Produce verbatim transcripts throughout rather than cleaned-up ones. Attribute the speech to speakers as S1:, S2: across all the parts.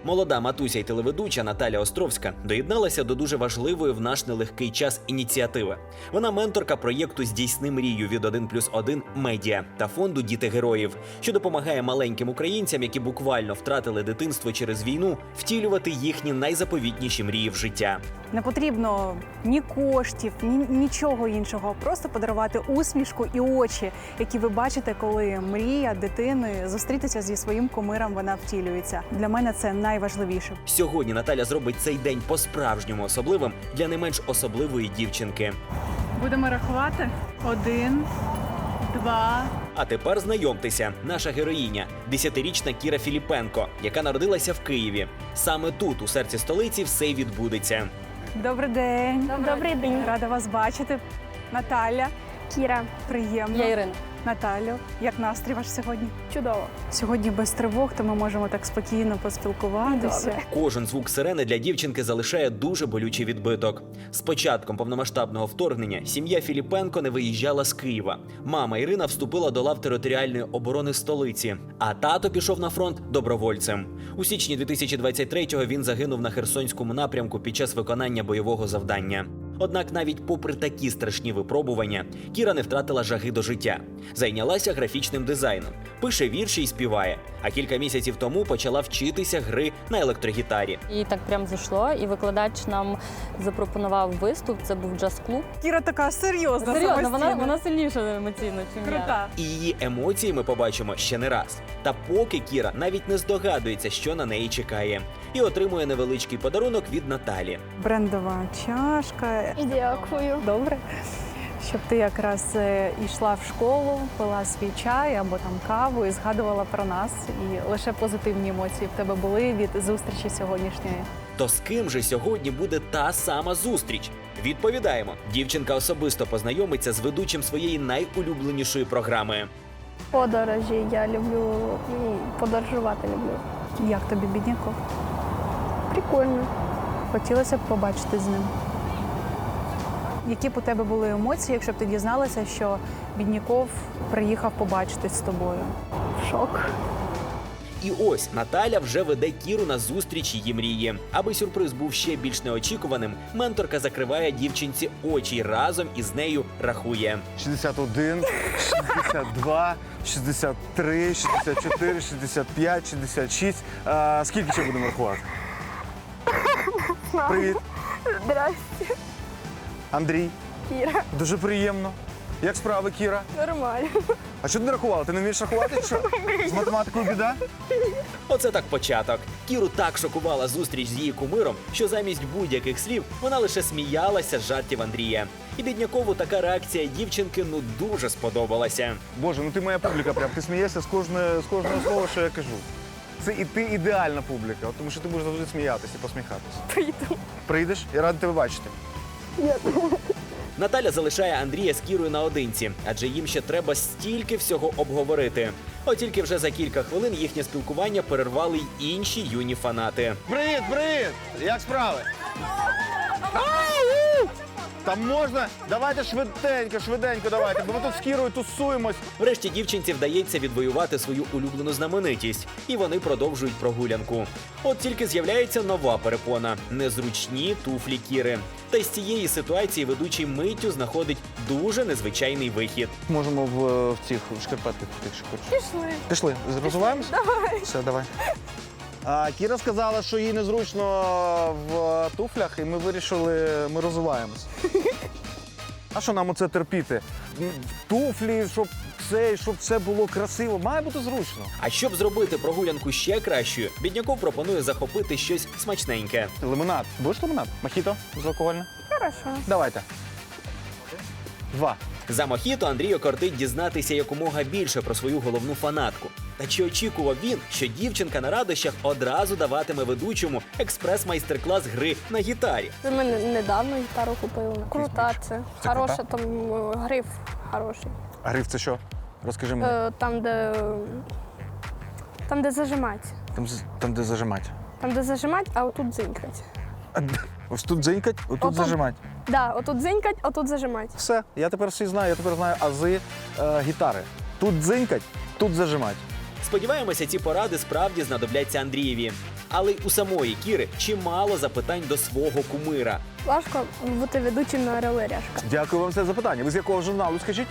S1: Молода матуся й телеведуча Наталя Островська доєдналася до дуже важливої в наш нелегкий час ініціативи. Вона менторка проєкту «Здійсни мрію» від один плюс один медіа та фонду «Діти героїв», що допомагає маленьким українцям, які буквально втратили дитинство через війну, втілювати їхні найзаповітніші мрії в життя.
S2: Не потрібно ні коштів, ні нічого іншого. Просто подарувати усмішку і очі, які ви бачите, коли мрія дитини зустрітися зі своїм кумиром, вона втілюється. Для мене це найважливіше.
S1: Сьогодні Наталя зробить цей день по-справжньому особливим для не менш особливої дівчинки.
S2: Будемо рахувати. Один, два.
S1: А тепер знайомтеся, наша героїня – десятирічна Кіра Філіпенко, яка народилася в Києві. Саме тут, у серці столиці, все й відбудеться.
S2: Добрий день.
S3: Добрий день.
S2: Рада вас бачити. Наталя.
S3: Кіра.
S2: Приємно.
S3: Я Ірина.
S2: Наталю, як настрій ваш сьогодні?
S3: Чудово.
S2: Сьогодні без тривог, то ми можемо так спокійно поспілкуватися.
S3: Добре.
S1: Кожен звук сирени для дівчинки залишає дуже болючий відбиток. З початком повномасштабного вторгнення сім'я Філіпенко не виїжджала з Києва. Мама Ірина вступила до лав територіальної оборони столиці, а тато пішов на фронт добровольцем. У січні дві тисячі двадцять третього він загинув на Херсонському напрямку під час виконання бойового завдання. Однак навіть попри такі страшні випробування, Кіра не втратила жаги до життя. Зайнялася графічним дизайном, пише вірші і співає. А кілька місяців тому почала вчитися гри на електрогітарі.
S4: І так прям зайшло, і викладач нам запропонував виступ, це був джаз-клуб.
S2: Кіра така серйозна,
S4: Серйозно, вона,
S2: самостійна.
S4: вона сильніша емоційно, ніж я.
S2: Крута.
S1: І її емоції ми побачимо ще не раз. Та поки Кіра навіть не здогадується, що на неї чекає. І отримує невеличкий подарунок від Наталі.
S2: Брендова чашка.
S3: Дякую.
S2: Добре. Щоб ти якраз е, йшла в школу, пила свій чай або там каву і згадувала про нас. І лише позитивні емоції в тебе були від зустрічі сьогоднішньої.
S1: То з ким же сьогодні буде та сама зустріч? Відповідаємо. Дівчинка особисто познайомиться з ведучим своєї найулюбленішої програми.
S3: Подорожі я люблю, ну, подорожувати люблю.
S2: Як тобі, бідняков?
S3: Прикольно.
S2: Хотілося б побачити з ним. Які б у тебе були емоції, якщо б ти дізналася, що Бідняков приїхав побачитись з тобою?
S3: Шок.
S1: І ось Наталя вже веде Кіру на зустріч її мрії. Аби сюрприз був ще більш неочікуваним, менторка закриває дівчинці очі і разом із нею рахує.
S5: шістдесят один, шістдесят два, шістдесят три, шістдесят чотири, шістдесят п'ять, шістдесят шість. А, скільки ще будемо рахувати? Привіт,
S3: Здрасте.
S5: Андрій.
S3: Кіра.
S5: Дуже приємно. Як справи, Кіра?
S3: Нормально.
S5: А що ти не рахувала? Ти не вмієш рахувати? Чи що? З математикою біда?
S1: Оце так початок. Кіру так шокувала зустріч з її кумиром, що замість будь-яких слів вона лише сміялася з жартів Андрія. І Біднякову така реакція дівчинки ну дуже сподобалася.
S5: Боже, ну ти моя публіка прям. Ти смієшся з кожного, з кожного слова, що я кажу. Це і ти ідеальна публіка, от тому що ти будеш завжди сміятися і посміхатися.
S3: Прийду.
S5: Прийдеш? Я радий тебе бачити.
S1: Наталя залишає Андрія з Кірою наодинці, адже їм ще треба стільки всього обговорити. От тільки вже за кілька хвилин їхнє спілкування перервали й інші юні фанати.
S5: Привіт, привіт! Як справи? Ау! Там можна? Давайте швиденько, швиденько давайте, бо ми тут з Кірою тусуємось.
S1: Врешті дівчинці вдається відвоювати свою улюблену знаменитість, і вони продовжують прогулянку. От тільки з'являється нова перепона – незручні туфлі Кіри. Та з цієї ситуації ведучий миттю знаходить дуже незвичайний вихід.
S5: Можемо в, в цих в шкарпетках, якщо хочеш.
S3: Пішли.
S5: Пішли, розвиваємось?
S3: Давай.
S5: Все, давай. А, Кіра сказала, що їй незручно в туфлях, і ми вирішили, ми розвиваємось. А що нам оце терпіти? Туфлі, щоб це, щоб це було красиво, має бути зручно.
S1: А щоб зробити прогулянку ще кращою, Бідняков пропонує захопити щось смачненьке.
S5: Лимонад. Будеш лимонад? Мохіто безалкогольне?
S3: Хорошо.
S5: Давайте. Два.
S1: За мохіто Андрію кортить дізнатися якомога більше про свою головну фанатку. Та чи очікував він, що дівчинка на радощах одразу даватиме ведучому експрес-майстер-клас гри на гітарі?
S3: Це ми не- недавно гітару купили. Крута це.
S5: Це
S3: Хороша,
S5: крута?
S3: там е, гриф хороший.
S5: А гриф це що? Розкажи мені.
S3: Е, Там, де. Там, де зажимати.
S5: Там, з- там де зажимати.
S3: Там, де зажимати, а отут дзинькать.
S5: А де? Ось тут дзинькать, отут
S3: Отут.
S5: зажимати.
S3: Да, отут дзинькать, а тут зажимати.
S5: Все, я тепер всі знаю, я тепер знаю ази е, гітари. Тут дзинькать, тут зажимати.
S1: Сподіваємося, ці поради справді знадобляться Андрієві. Але й у самої Кіри чимало запитань до свого кумира.
S3: Важко бути ведучим на «Орел і Решка».
S5: Дякую вам за запитання. Ви з якого журналу, скажіть?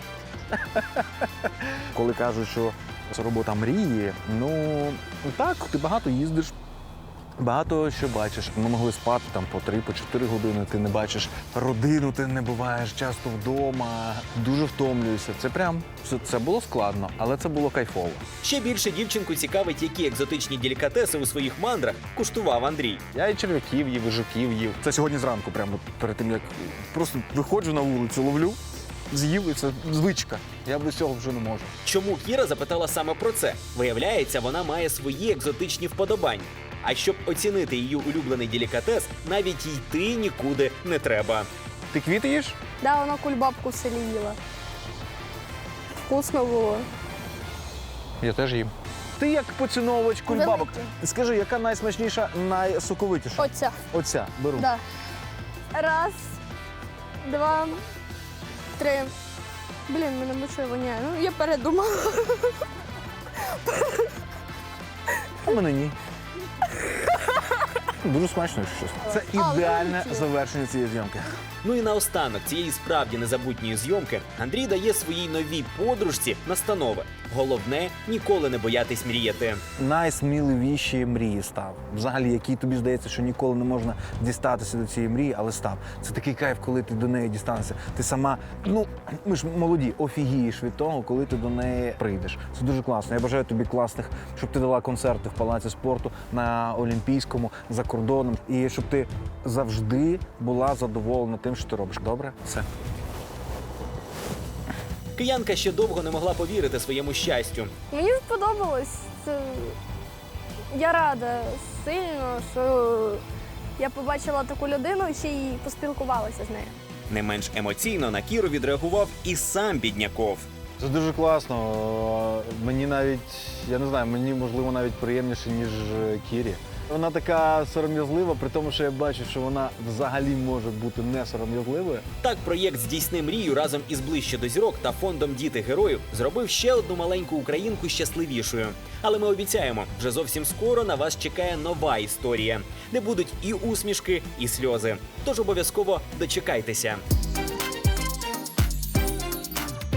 S5: Коли кажуть, що це робота мрії, ну так, ти багато їздиш, багато що бачиш. Ми могли спати там по три, по чотири години, ти не бачиш родину, ти не буваєш часто вдома, дуже втомлюєшся. Це прям, це, це було складно, але це було кайфово.
S1: Ще більше дівчинку цікавить, які екзотичні делікатеси у своїх мандрах куштував Андрій.
S5: Я і черв'яків їв, і жуків їв. Це сьогодні зранку, прямо перед тим, як просто виходжу на вулицю, ловлю, з'їв, і це звичка. Я без цього вже не можу.
S1: Чому Кіра запитала саме про це? Виявляється, вона має свої екзотичні вподобання. А щоб оцінити її улюблений делікатес, навіть йти нікуди не треба.
S5: Ти квіти їш?
S3: Да, вона кульбабку в селі їла. Вкусно було.
S5: Я теж їм. Ти як поціновувач кульбабок.
S3: Великі.
S5: Скажи, яка найсмачніша, найсоковитіша?
S3: Оця.
S5: Оця, беру.
S3: Да. Раз, два, три. Блін, мене мочою воняє. Ну, я передумала.
S5: А мене ні. Дуже смачно, якщо чесно. Це
S3: А,
S5: ідеальне
S3: великі.
S5: завершення цієї зйомки.
S1: Ну і наостанок цієї справді незабутньої зйомки Андрій дає своїй новій подружці настанови. Головне – ніколи не боятись мріяти.
S5: Найсміливіші мрії став. Взагалі, які тобі здається, що ніколи не можна дістатися до цієї мрії, але став. Це такий кайф, коли ти до неї дістанешся. Ти сама, ну, ми ж молоді, офігієш від того, коли ти до неї прийдеш. Це дуже класно. Я бажаю тобі класних, щоб ти дала концерти в Палаці спорту, на Олімпійському, за кордоном. І щоб ти завжди була задоволена тим, що ти робиш. Добре? Все.
S1: Киянка ще довго не могла повірити своєму щастю.
S3: Мені сподобалось. Це... Я рада сильно, що я побачила таку людину і ще й поспілкувалася з нею.
S1: Не менш емоційно на Кіру відреагував і сам Бідняков.
S5: Це дуже класно. Мені навіть, я не знаю, мені можливо навіть приємніше, ніж Кірі. Вона така сором'язлива, при тому, що я бачу, що вона взагалі може бути не сором'язливою.
S1: Так проєкт «Здійсни мрію» разом із «Ближче до зірок» та фондом «Діти героїв» зробив ще одну маленьку українку щасливішою. Але ми обіцяємо, вже зовсім скоро на вас чекає нова історія, де будуть і усмішки, і сльози. Тож обов'язково дочекайтеся.